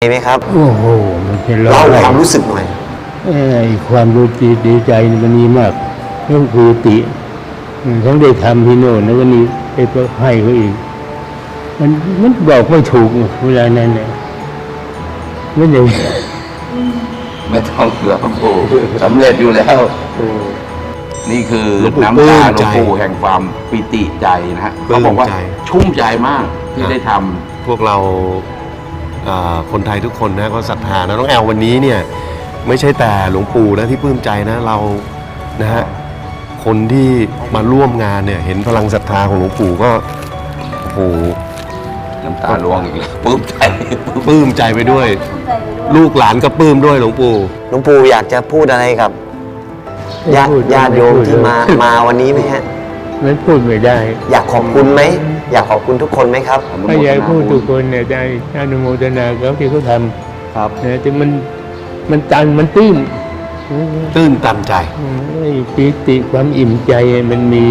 ไหมครับโอ้โหมันจะเล่าความรู้สึกหน่อยความรู้สึกดีใจมันมีมากเรื่องปีติทั้งได้ทำที่โน่นแล้วก็นี่ไปให้เขาอีกมันบอกไม่ถูกเวลานั้นเนี่ยไม่ได้ไม่ต้องเกือบโอ้สำเร็จอยู่แล้วนี่คือน้ำตาหลวงปู่แห่งความปิติใจนะฮะเขาบอกว่าชุ่มใจมากที่ได้ทำพวกเราคนไทยทุกคนนะก็ศรัทธานะน้องแอลวันนี้เนี่ยไม่ใช่แต่หลวงปู่นะที่ปลื้มใจนะเรานะฮะคนที่มาร่วมงานเนี่ยเห็นพลังศรัทธาของหลวงปู่ก็โอ้โหน้ำตาร่วงอีกแล้วปลื้มใจไปด้วยลูกหลานก็ปลื้มด้วยหลวงปู่อยากจะพูดอะไรกับญาติโยมที่มาวันนี้ไหมฮะไม่พูดไม่ได้อยากขอบคุณไหมอยากขอบคุณทุกคนไหมครับถ้าอยากพูดทุกคนเนี่ยได้อนุโมทนาเขาที่เขาทำครับแต่มันตันมันตื้นตันใจปีติความอิ่มใจมันมี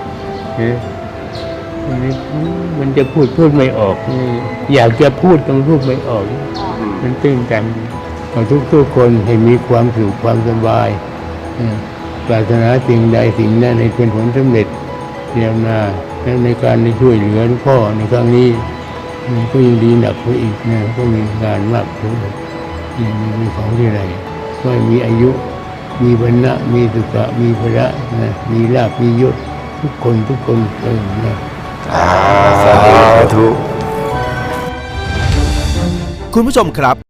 มันจะพูดไม่ออกอยากจะพูดต้องพูดไม่ออกมันตื้นตันของทุกคนให้มีความสุขความสบายปรารถนาสิ่งใดสิ่งนั้นให้เป็นผลสำเร็จเรียนมาแล้วในการได้ช่วยเหลือพ่อในครั้งนี้ก็ยังดีหนักไปอีกนะก็มีงานมากขึ้นมีของที่ไหนก็มีอายุมีวรรณะมีสุขะมีพระนะมีลาภมียศทุกคนนะสาธุคุณผู้ชมครับ